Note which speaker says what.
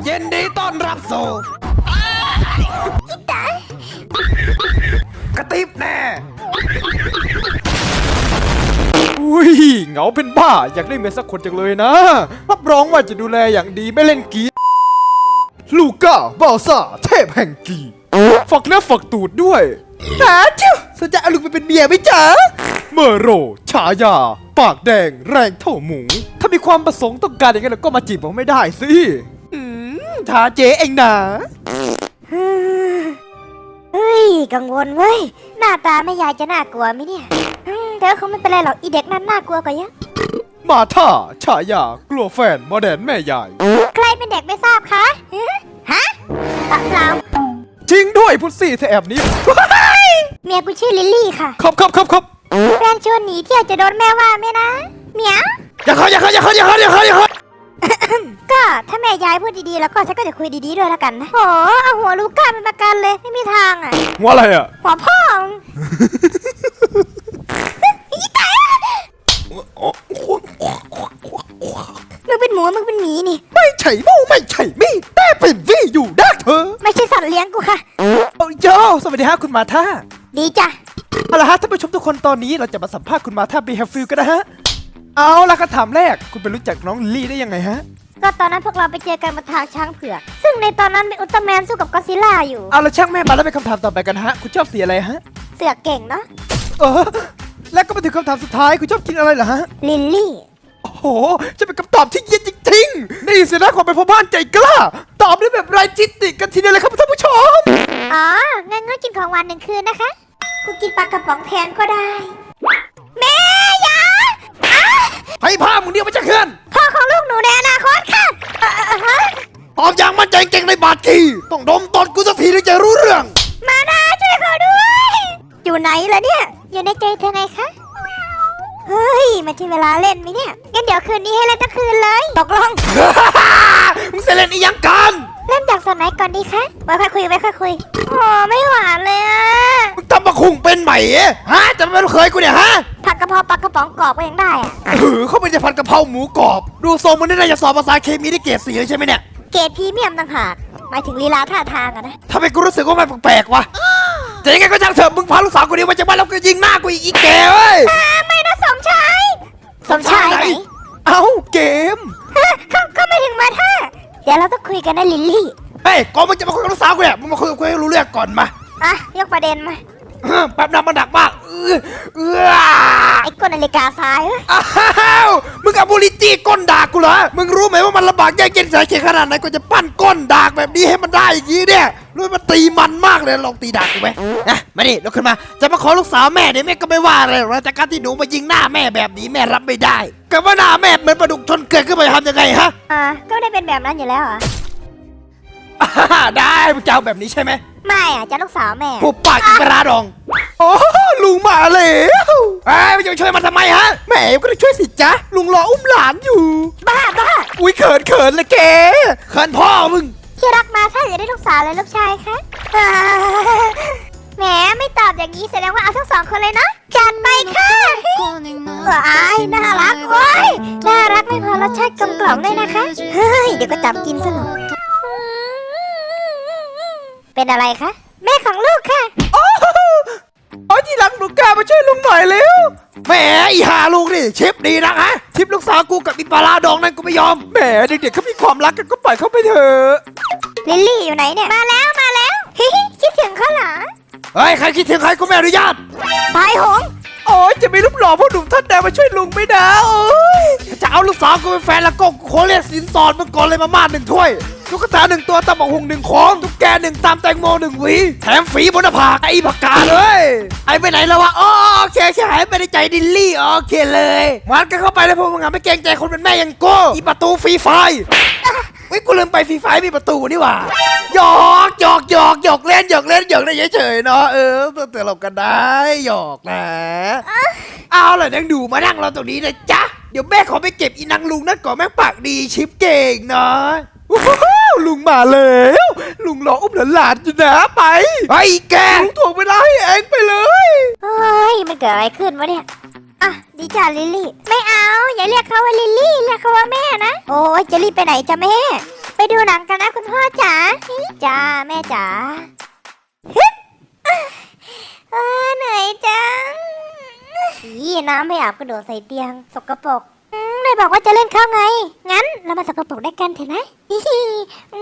Speaker 1: ยินดีต้อนรับสู่กระติบแน่อุ้ยเหงาเป็นบ้าอยากได้เมียสักคนจังเลยนะรับรองว่าจะดูแลอย่างดีไม่เล่นกีลูก้าบาซ่าเทพแห่งกีฝักเนื้อฝักตูดด้วยหาเจ้าสนใจเอาลูกไปเป็นเมียไหมจ๊ะเมอโรฉายาปากแดงแรงเท่าหมูถ้ามีความประสงค์ต้องการอย่างนั้นก็มาจีบผมไม่ได้สิท้าเจ๊เองนะ
Speaker 2: เฮ้ยกังวลเว้ยหน้าตาแม่ยายจะน่ากลัวไหมเนี่ยแต่คงไม่เป็นไรหรอกอีเด็กนั้นน่ากลัวกว่าเยอะ
Speaker 1: มาท่าฉายากลัวแฟนโมเดลแม่ยาย
Speaker 2: ใครเป็นเด็กไม่ทราบคะฮะเปล่า
Speaker 1: จริงด้วยพุทซี่เธอแอบนี้
Speaker 2: เมียกูชื่อลิลลี่ค่ะ
Speaker 1: ครับ
Speaker 2: แฟนชวนหนีเที่ยวจะโดนแม่ว่าไหมนะเมียว
Speaker 1: อย่าเข้า
Speaker 2: ก็ถ้าแม่ยายพูดดีๆแล้วก็ฉันก็จะคุยดีๆด้วยแล้วกันนะโอ้เอาหัวลูก้าเป็นประกันเลยไม่มีทางอ่ะ
Speaker 1: หัวอะไรอ่ะ
Speaker 2: หัวพ่ออีตายมึงเป็นหมูมึงเป็นหมีนี่
Speaker 1: ไม่ใช่หมูไม่ใช่มีแต่เป็นวี่อยู่ดักเธอ
Speaker 2: ไม่ใช่สัตว์เลี้ยงกูค่ะ
Speaker 1: โอ้ยสวัสดีฮะคุณมาท่า
Speaker 2: ดีจ้ะ
Speaker 1: เอาละฮะท่านผู้ชมทุกคนตอนนี้เราจะมาสัมภาษณ์คุณมาท่าบีแฮฟฟิลกันนะฮะเอาละคำถามแรกคุณไปรู้จักน้องลิลลี่ได้ยังไงฮะ
Speaker 2: ก็ตอนนั้นพวกเราไปเจอกันบนทางช้างเผือกซึ่งในตอนนั้นเป็นอุลตร้าแมนสู้กับก็อดซิลล่าอยู่
Speaker 1: เอาละช่างแม่มาแล้วเป็นคำถามต่อไปกันฮะคุณชอบสีอะไรฮะ
Speaker 2: เสือกเก่งเนาะ
Speaker 1: แล้วก็มาถึงคำถามสุดท้ายคุณชอบกินอะไรเหรอฮะ
Speaker 2: ลิลลี่
Speaker 1: โอ้โหจะเป็นคำตอบที่เย็นจริงๆนี่สินะความเป็นพ่อบ้านใจกล้าตอบได้แบบไร้จิตติกันทีเดียวเลยครับท่านผู้ชม
Speaker 2: อ๋องั้นกินของหวาน1 คืนนะคะกูกินปลากระป๋องแทนก็ได้แม่ยา
Speaker 1: ให้พ่อมึงเดียวมาจะเคลื่อน
Speaker 2: พ่อของลูกหนูในอนาคตค่ะ
Speaker 1: ตอบอย่างมั่นใจเก่งในบาดทีต้องดมตอนกูสักทีถึงจะรู้เรื่อง
Speaker 2: มานะช่วยเขาด้วยอยู่ไหนล่ะเนี่ยอยู่ในใจเธอไงคะเฮ้ยมาที่เวลาเล่นไหมเนี่ยงั้นเดี๋ยวคืนนี้ให้เล่นทั้งคืนเลยตกลง
Speaker 1: มึงจะเล่นอีหยังกัน
Speaker 2: เล่นจากส่วนไหนก่อนดีคะไว้ค่อยคุยโอ้ไม่หวานเลยอ่ะ
Speaker 1: มึงทำมาคุงเป็นใหม่ฮะจะไม่เคยกูเนี่ยฮะ
Speaker 2: ผัดกะเพราปลากระป๋องกรอบก็ยังได้อ่ะ
Speaker 1: เขาเป็นจะผัดกะเพราหมูกรอบดูทรงมันน่าจะสอบภาษาเคมีได้เกรด 4เลยใช่ไหมเนี่ย
Speaker 2: เกรดพรีเมียมต่างหากหมายถึงลีลาท่าทางอะนะ
Speaker 1: ทำไมกูรู้สึกว่ามันแปลกๆวะแต่ยังไงก็ช่างเถอะมึงพาลูกสาวกูเดียวมาจากบ้านแล้วก็ยิงหน้ากูอีกแกเว้ย
Speaker 2: ไม่นะสมชายไหน
Speaker 1: เอ้าเกม
Speaker 2: เขาไม่ถึงมาท่าเดี๋ยวเราต้องคุยกันนะลิลลี่
Speaker 1: เฮ้ยก่อนมึงจะมาคุยกับลูกสาวกูเนี่ยมึงมาคุยให้รู้เรื่องก่อนม
Speaker 2: ายกประเด็นมา
Speaker 1: แป๊บน้ำมันหนักมาก
Speaker 2: ไอ้ก้นนาฬิกาซ้าย
Speaker 1: มึงกับบุริจี้ก้นดากกูเหรอมึงรู้ไหมว่ามันลำบากแย่เย็นสายเข็นขนาดไหนกูจะปั้นก้นดากแบบนี้ให้มันได้อย่างนี้เนี่ยรู้มันตีมันมากเลยลองตีดากกูไหมนะมาดิลุกขึ้นมาจะมาขอลูกสาวแม่เนี่ยแม่ก็ไม่ว่าเลยแต่การที่หนูมายิงหน้าแม่แบบนี้แม่รับไม่ได้กับว่าหน้าแม่เหมือนปลาดุกชนเกลือขึ้นไปทำยังไงฮะ
Speaker 2: ก็ได้เป็นแบบนั้นอยู่แล้ว
Speaker 1: ได้มึงจะเอาแบบนี้ใช่ไหม
Speaker 2: ไม่จะลูกสาวแม่
Speaker 1: ผูกปากอีกระดองโอ้ลุงมาแล้วไม่จะช่วยมันทำไมฮะแม่ก็ได้ช่วยสิจ๊ะลุงรออุ้มหลานอยู่
Speaker 2: บ้า
Speaker 1: อุ้ยเขินเลยแกเขินพ่อมึง
Speaker 2: ที่รักมาถ้าอยากได้ลูกสาวเลยลูกชายคะแหมไม่ตอบอย่างนี้แสดงว่าเอาทั้ง2 คนเลยนะจัดไปค่ะน่ารักโอ้ยน่ารักไม่พอรสชาติกลมกล่อมเลยนะคะเฮ้ยเดี๋ยวก็จับกินซะหน่อยเป็นอะไรคะแม่ของลูกค่ะ
Speaker 1: โอ้ยที่รักลูกกามาช่วยลุงหน่อยเร็วแหมอีหาลูกนี่ชิปดีนะฮะชิปลูกสาวกูกับอีปลาลาดองนั่นกูไม่ยอมแหมเด็กๆเขามีความรักกันก็ปล่อยเขาไปเถอะ
Speaker 2: ลิลลี่อยู่ไหนเนี่ยมาแล้วคิดถึงเขาเหรอ
Speaker 1: เฮ้ยใครคิดถึงใครกูไม่อนุญาต
Speaker 2: ตายหง
Speaker 1: โอ้ยจะมีรูปหล่อพ่อหนุ่มท่านใดมาช่วยลุงไม่ได้โอ้ยจะเอาลูกสาวกูเป็นแฟนแล้วก็ขอเรียกสินสอดมึงก่อนเลยมาม่า1 ถ้วยตุ๊กตา1 ตัวตำบักหุ่ง1 ของตุ๊กแก1 ตามแตงโม1 หวีแถมฝีบนหน้าผากไอ้ผักกาเลยไอ้ไปไหนแล้ววะโอเคหายไปในใจดิลลี่โอเคเลยมันกันเข้าไปแล้วพวกมึงไม่เกรงใจคนเป็นแม่ยังกูอีประตูฟรีไฟกูลืมไปฟรีไฟมีประตูนี่หว่าหยอกเล่นได้เฉยๆเนาะเตือนเรากันได้หยอกนะเอาเลยนั่งดูมานั่งเราตรงนี้นะจ๊ะเดี๋ยวแม่ขอไปเก็บอีนางลุงนั่นก่อนแม่ปากดีชิปเก่งเนาะลุงมาแล้วลุงรออุ้มหลานอยู่นะไปไอ้แกลุงถ่วงเวลาให้เองไปเลย
Speaker 2: เฮ้ยมันเกิดอะไรขึ้นวะเนี่ยดีจ้าลิลลี่ไม่เอาอย่าเรียกเขาว่าลิลลี่เรียกเขาว่าแม่นะโอ้ยจะรีบไปไหนจ้ะแม่ไปดูหนังกันนะคุณพ่อจ๋าจ้าแม่จ๋าฮึบเหนื่อยจังน้ำไม่อาบกระโดดใส่เตียงสกปรกเลยบอกว่าจะเล่นข้าวไงงั้นเรามาสกปรกได้กันเถอะนะ